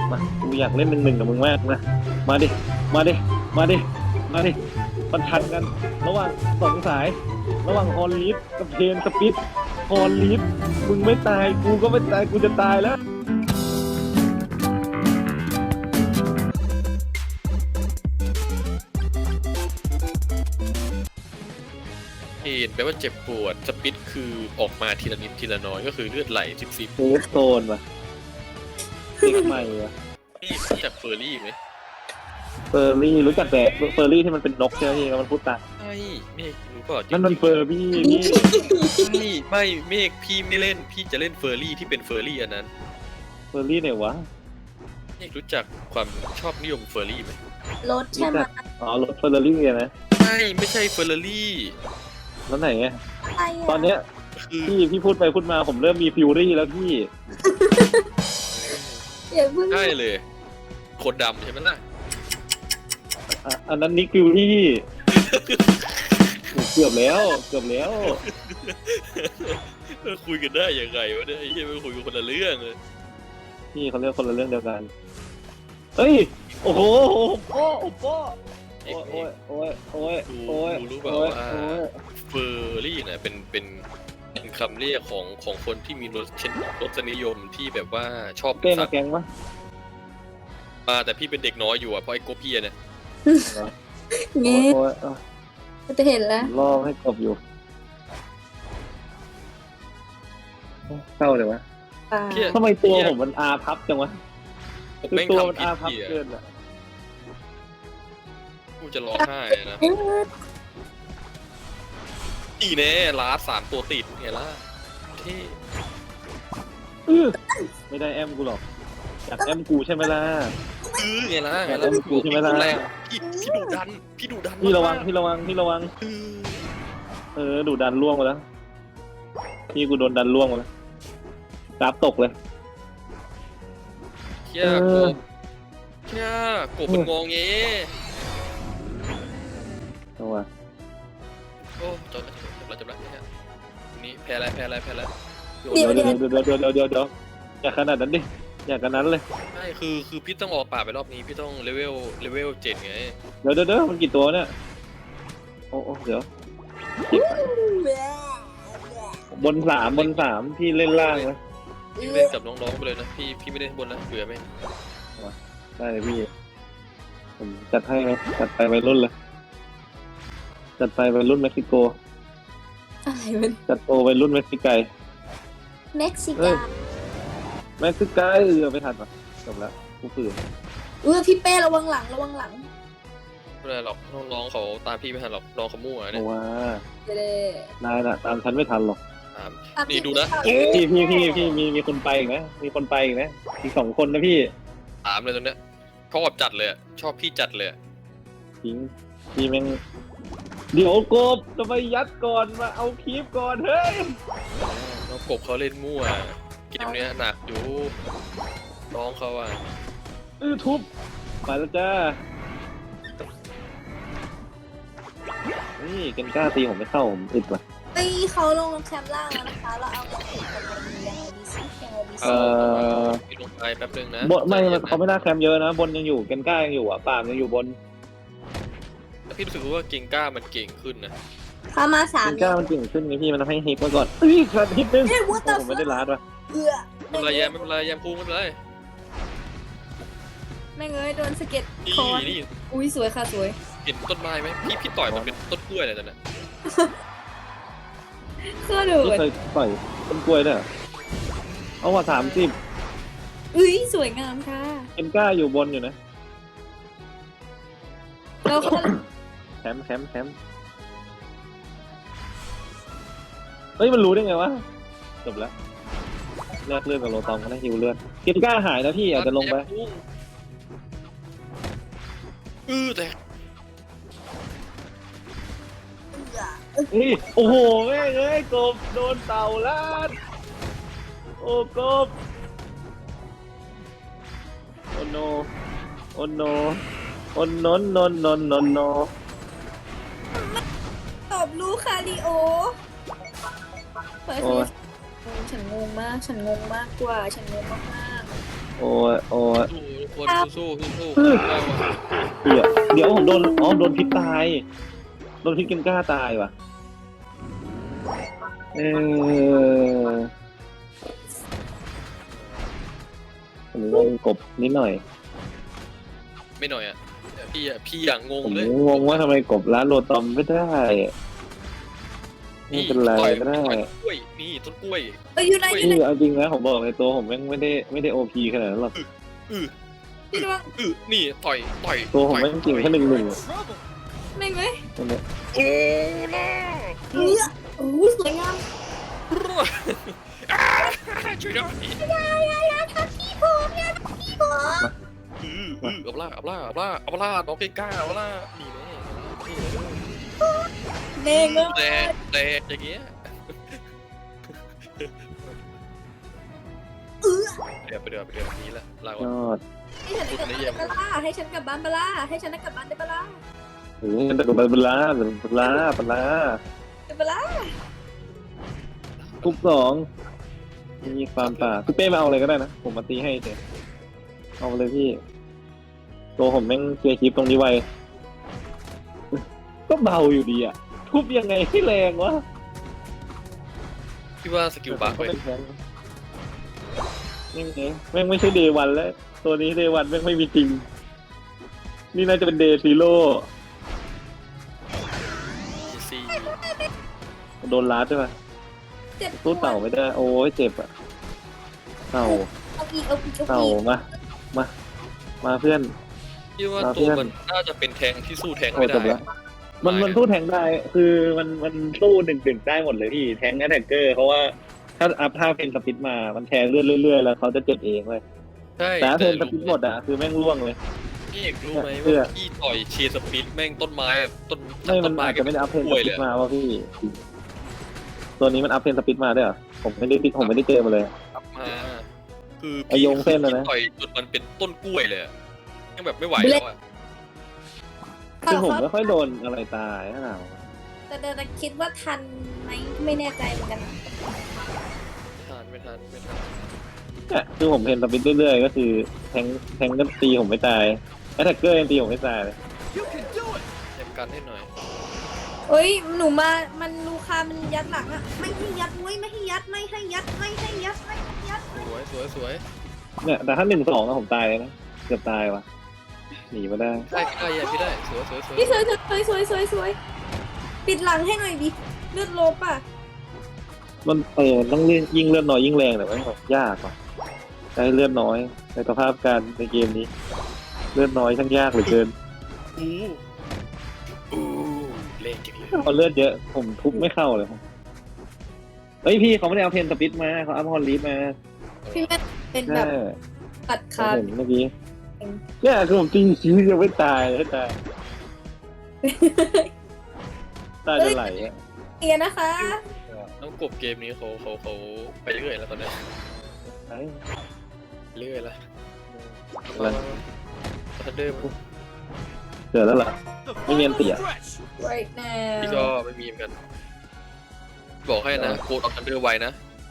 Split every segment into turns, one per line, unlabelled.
มากูอยากเล่น1-1กับมึงมากนะมาดิมาดิมาดิมาดิมันทันกันระหว่าง2 สายระหว่างฮอลลีฟกับเทนสปิดฮอลลีฟมึงไม่ตายกูก็ไม่ตายกูจะตายแล้ว
เห็นแปลว่าเจ็บปวดสปิดคือออกมาทีละนิดทีละน้อยก็คือเลือดไหลซิบ
เซฟโซนว่ะติ๊กใหม่ว่ะ
นี่รู้จักเฟอร์รี่ไหม
เฟอร์รี่รู้จักแต่เฟอร์รี่ที่มันเป็นนกใช่ไหมพี่มันพูดตาม
ใช่เมฆรู้ป่ะ
นั่นมันเฟอร์รี่นี่
ไม่เมฆพี่ไม่เล่นพี่จะเล่นเฟอร์รี่ที่เป็นเฟอร์รี่อันนั้น
เฟอร์รี่ไหนวะ
เมฆรู้จักความชอบนิยมเฟอร์รี่ไหม
รถใช่ไหม
อ๋อรถเฟอร์รี่นะ
ไม่ใช่เฟอร์รี่
แล้วไหนไง
อะไรอ่ะ
ตอนเนี้ย
คือ
พี่พูดไปพูดมาผมเริ่มมีฟิวรี่แล้วพี่
อย่าเพิ่ง
ได้เลยคนดำใช่ไหมล่ะ
อันนั้นนิกฟิวรี่เกือบแล้วเกือบแล้ว
คุยกันได้ยังไงวะเนี่ยไอ้เหี้ยไม่คุยกันคนละเรื่องเลย
พี่เขาเรียกคนละเรื่องเดียวกันเฮ้ยโอ้โหโอ้โหโอ้โอ้ยโอ้ยโอ้ยโอ้ย
รู้เปล่า
โอ้ย
ว่า
โอ้ย
เฟอร์รี่เนี่ยเป็นคำเรียกของคนที่มีรสนิยมที่แบบว่าชอบ
เต้มา
สัตว์
แกงปะ
แต่พี่เป็นเด็กน้อยอยู่อ่ะเพราะไอ้โกเพียเนี่ย
เงี้ย
โอ้ยโอ้ย
จะเห็นแล้ว
ล่อให้กบอยู่เศร้าเลยวะ
ป่า
ทำไมตัวผมมันอาพับจังวะ
ผม
คือ
แม่ง
ตัวมัน
ทำผิด
อาพับ
พี่
เกินอะ
กูจะร้องไห้นะ
เอ๊ะ
อีแน่ลาสามตัวติดไงล่ะเท่
ไม่ได้แอมกูหรอกอยากแอมกูใช่ไหมล่ะ
ไงล่ะ
แต่เล่นกูใช่ไหมล่ะ
แรงพี่ดุดันพี่ดุดัน
พี่ระวัง
มาก
พี่ระวังพี่ระวัง
เออ
ดูดันล่วงไปแล้วพี่กูโดนดันล่วงไปแล้วกราฟตกเลย
เชี่ยกบเชี่ยกบมันงองเงี้
เอาวะ
โอ้จบแล้วเนี่ยนี่แพ้แล้ว
เดี๋ยวอย่าขนาดนั้นดิอย่าขนาดนั้นเลย
ใช่คือพี่ต้องออกป่าไปรอบนี้พี่ต้องเลเวล7ไง
เดี๋ยวมันกี่ตัวเนี่ยโอ้เดี๋ยวบนสามพี่เล่นล่างนะ
พี่เล่นกับน้องๆไปเลยนะพี่ไม่ได้บนนะเบื่อไหม
ได้เลยพี่ผมจัดให้ไหมจัดไปวัยรุ่นเลยจัดไปวัยรุ่นเม็กซิโก
อะไรมัน
จัดโตวัยรุ่นเม็กซิไก
เม็กซิ
เอ้
กาย
เม็กซิไกไม่ทันป่ะจบแล้วกูฝืน
พี่เป้ระวังหลังระวังหลัง
ไม่เป็นไรหรอกน้องๆเขาตามพี่ไม่ทันหรอกน้องเขามั่ว
เพ
เนี่ย
ราะว่า
เด้
นายน่ะตามฉันไม่ทันหรอก
ตาม
ตาม
นี่ดูนะ
พี่มีคนไปอีกนะมีคนไปอีกนะอีก2 คนนะพี่
ตามเลยตรงเนี้ยชอบจัดเลยอะชอบพี่จัดเลยอะ
จริงพี่แม่งเดี๋ยวกบจะไปยัดก่อนมาเอาคลิปก่อนเฮ้ย
น้องกบเขาเล่นมั่วเกมเนี้ยหนักอยู่น้องเขาอะ
ทุบไปแล้วจ้านี่เกนกล้าตีผมไม่เข้าผมอึดว่ะ
เขาลงแคมป์ล่างแล้วนะคะเราเอาอย่างอื่นกันยังไงดีซิยังไงดีซิ
พี่ลงไปแป๊บนึงนะ
บนไม่เขาไม่น่าแคมป์เยอะนะบนยังอยู่เกนกล้ายังอยู่อ่ะปามยังอยู่บน
แต่พี่รู้สึกว่าเก่งกล้ามันเก่งขึ้นนะ
เข้ามา3
เกนกล้ามันเก่งขึ้นไงพี่มันทำให้ฮิตมาก่อนขาดฮิตนึง
เฮ้ย what
โอ้
the
ผมไม่ได้ลาดว่ะ
เอือ
ไม่เป็นไรแยมพูไม่เป็นไร
แม่งเอ้ยโดนสะเก็ด
นี่
คอน
นี่
อุ้ยสวยค่ะสวย
เห็นต้นไม้ไหมพี่ต่อยมันเป็นต้นกล้วยเลยตอนนั้น
เครื่องดู
พี่เคยต่อยต้นกล้วยด้วยเหรอเอาว่า30
อุ้ยสวยงามค่ะ
เกนกล้าอยู่บนอยู่นะ
เราเขา
แคมป์เฮ้ยมันรู้ได้ไงวะจบแล้วแลกเลือดกับโลตอมก็ได้ฮิวเลือดเกนกล้าหายนะพี่อาจจะลงไป
แต่
นี่โอ้โหแม่งเอ้ยกบโดนเต่าลาดโอ้กบโอ้โนโอ้โนโอ้นนน
ตอบรู้คาริโอเฮ้ย
โอ้ย
ฉันงงมากกว่าฉันงงมาก
โอ้ยโอ้ย
คนสู้สู้
เดี๋ยวผมโดนพิษตายโดนพิษเกนก้าตายว่ะผมงงกบนิดหน่อย
ไม่หน่อยอ่ะพี่อย่างงง
ผม
เลย
งงว่าทำไมกบร้านโรตอมไม่ได้ไม่เป็นไรก็ได้
ต้นกล้วยนี่ต้นกล้วย
อยู่ไหนอยู่ไหน
เอาจริงนะผมบอกในตัวผมไม่ได้โอพีขนาดนั้นหรอก
พี่ระวัง
นี่ต่อย
ตัวผมไม่เก่งแค่1-1
ไม่ไหม
นั่นแหละ
โอ้ล่า
โอ้สวยงาม
ช่วยด้วย
ทักพี่ผมเนี่ยทักพี่ผม
เอาล่าน้องเกก้าเอาล่านี่แน่
เด้งเลย
แต่อย่างเงี้ยเดี๋ยวไปเดือนี้ละลาก่อน
ยอด
ให้ฉันกลับบ้านปะล่าให้ฉันกลับบ้านได้ปะล่า
แต่กบเป็นล้าทุกสองมีความป่าพี่เป้มาเอาอะไรก็ได้นะผมมาตีให้เฉยเอาเลยพี่ตัวผมแม่งเคลียร์คลิปตรงนี้ไวก็เบาอยู่ดีอ่ะทุบยังไงให้แรงวะ
พี่ว่าสกิลบัคเลย
นี่ไงแม่งไม่ใช่เดย์วันแล้วตัวนี้เดย์วันแม่งไม่มีจริงนี่น่าจะเป็นเดย์ซีโร่
ซี
โดนลัดใช่ปะ
เจ็บ
สู้เต่าไม่ได้โอ้ยเจ็บอ่ะเต่า
เอาอีก
เต่ามาเพื่อน
พี่ว่าตัวมันน่าจะเป็นแทงที่สู้แทง
โอ้
ไม่
จบ
ได้
แล้วมันสู้แทงได้คือมันสู้1-1ได้หมดเลยพี่แทงแอตแทกเกอร์เพราะว่าถ้าอัพท่าเพนสปิดมามันแทงเรื่อยๆแล้วเขาจะเจ็บเองเลย
ใช่
แต่ถ้าเพนสปิดหมดอ่ะคือแม่งร่วงเลย
พี่เอกรู้ไหมว่าพี่ต่อยเชียร์สปิดแม่งต้นไม้ต้น
ไม่มันอาจจะไม่ได้อัพเพนสปิดมาว่าพี่ตัวนี้มันอัพเพนสปิดมาด้วยเหรอผมไม่ได้เจอมาเลย
มาคือ
ไอ้โยงเส้นนะ
ต่อยจนมันเป็นต้นกล้วยเลยยังแบบไม่ไหวแล้วอ่ะ
คือผมไม่ค่อยโดนอะไรตายเท่าไหร่
แต่คิดว่าทันไหมไม่แน่ใจเหมือนกัน
ไม่ทัน
เนี่ยคือผมเพนสปิดเรื่อยๆก็คือแทงก็ตีผมไม่ตายแอตแทกเกอร์ยังตีผมไม่ตายเลย
เต็มกันให้หน่อย
เฮ้ยหนูมามันลูคามันยัดหลังอะไม่ให้ยัดไม่ให้ยัด
สวย
เนี่ยแต่ถ้า1-2นะผมตายเลยนะเกือบตายว่ะหนีมาได้
พี่ได้สวย
พี่สวยปิดหลังให้หน่อยดิเลือดลบอ่ะ
มันต้องเล่นยิ่งเลือดน้อยยิ่งแรงแต่ว่าแบบยากว่ะใช้เลือดน้อยในสภาพการในเกมนี้ เลือดน้อยช่างยากเหลือเกิน
อู้เล่นจริงเลย
พอเลือดเยอะผมทุบไม่เข้าเลยเฮ้ยพี่เขาไม่ได้เอาเพนสปิดมาเขาเอาฮอลลีฟมา
พี่แม่เป็นแบ
ใช่
บตัด
ผม
ขาด
เห็นเมื่อกี้เนี่ยคือผมจริงชีวิตยังไม่ตายให้ตายตายจะไหลอ่ะ
เอียนะคะ
น้องกบเกมนี้เขาไปเรื่อยแล้วตอนนี้
ไอ้
เรื่อยแล้ว
อะไร
ทันเดอร์
เจอแล้วเหรอไม่เงียนเสีย
right
พี่
now
ก็ไม่มีเหมือนกัน บอกให้นะโคดออกทันเดอร์ไวนะ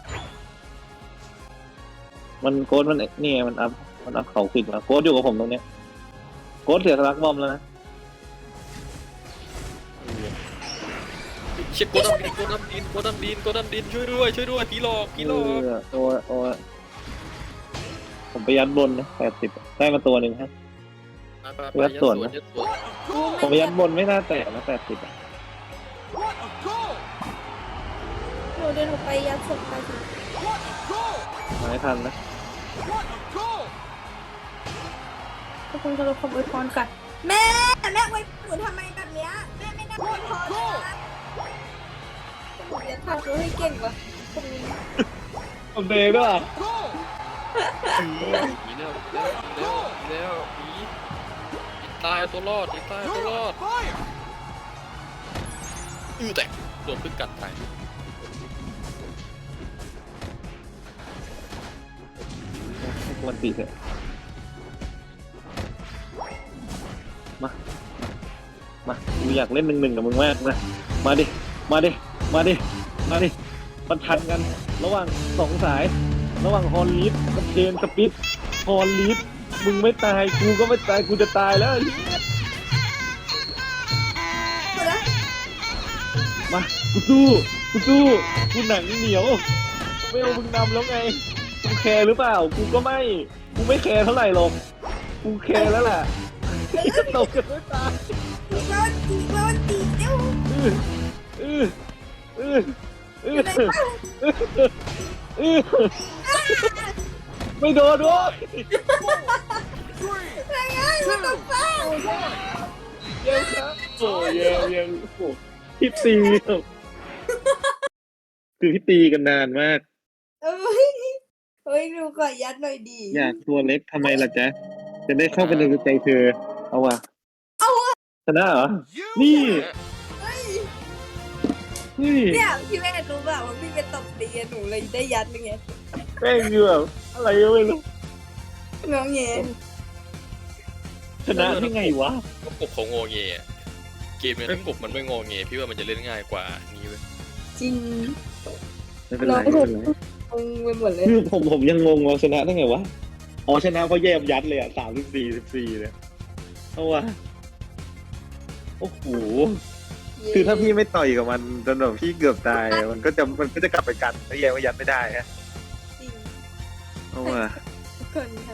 มันโค้ดมันนี่ไงมันอัพเขาปิดมาโค้ดอยู่กับผมตรงเนี้ยโค้ดเสียสลักบอมแล้วนะ
เช็คโกดัมดินช่วยด้วยผีหลอก
โอ้ผมไปยัดบนนะ80ได้มาตัวหนึ่งฮะ
ยัดสวน
ผมไปยัดบนไม่น่าแตกนะ80อ่ะ
หนูเดินออกไปยัดศพไปสิ
มาไม่ทันนะ
ทุกคนจะรบขอบอวยพรค่ะแม่ไว้หนูทำไมแบบเนี้ยแม่ไม่น่าอวยพรนะหนูจะทำตัวให้เก่งวะคนนี้
ผมเดย์ด้วย
ผีแล้วผีตายตัวรอดแต่โดนพึ่งกัดตาย
มันตีเถอะมากูอยากเล่น1-1กับมึงมากนะมาดิมันทันกันระหว่าง2 สายระหว่างฮอลลีฟกับเจนสปิดฮอลลีฟมึงไม่ตายกูก็ไม่ตายกูจะตายแล้วไอ้เหี้ย
หมดแล้ว
มากูสู้กูหนังเหนียวไม่เอามึงนำแล้วไงกูแคร์หรือเปล่ากูก็ไม่กูไม่แคร์เท่าไหร่หรอกกูแคร์แล้วแหละตกกันไม่ตาย
โดนตีเดี๋ยว
อื้ออื้ออื้อ
อยู่ไหนบ้าง
อื้อไม่โดนด้วย
อะไรไงมันต้องฟัง
เย้ครับโอ้เย้โอ้พี่ตีคือพี่ตีกันนานมาก
เอ้ยดูก่อนยัดหน่อยดี
อยากตัวเล็กทำไมล่ะจ๊ะจะได้เข้าไปในใจเธอเอาว่ะชนะเหรอนี่
เฮ้ย
เฮ้ย
เนี่ยพี่แม่รู้ป่ะว่าพี่เป็นตบตีอะหนูเลยได้ยัดยังไง
แม่งคือแบบอะไรก็ไม่รู้
งอแง
ชนะได้ไงวะ
ก็กบเขางอแงอะเกมเนี้ยถ้ากบมันไม่งอแงพี่ว่ามันจะเล่นง่ายกว่านี้เว้ย
จริง
ไม่เป็นไรไม่เป็นไร
งงไปหมดเลย
คือผมยังงงว่าชนะได้ไงวะอ๋อชนะเพราะแยมยัดเลยอ่ะ34เลยเอาวะโอ้โหคือถ้าพี่ไม่ต่อยกับมันจนแบบพี่เกือบตายมันก็จะกลับไปกันแล้วแยมก็ยัดไม่ได้ฮะ
จริง
เอาวะ
ทุกคนค่ะ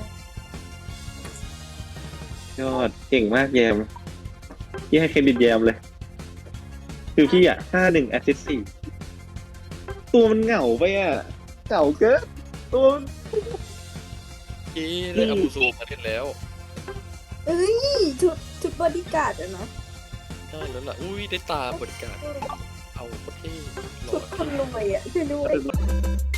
ยอดเก่งมากแยมพี่ให้เครดิตแยมเลยคือพี่อ่ะ51 แอสซิสต์4ตัวมันเหงาไปอ่ะเหงาเกินตัวมัน
ได้อาบูโซมาเล่นแล้ว
เอ้ยชุดบอดี้การ์ดอะนะ
ได้แล้วล่ะอุ้ยได้ตาบริการเอาโคตรเท่หล่
ชุ
อ
ดคนรวยอะช่วยด้วย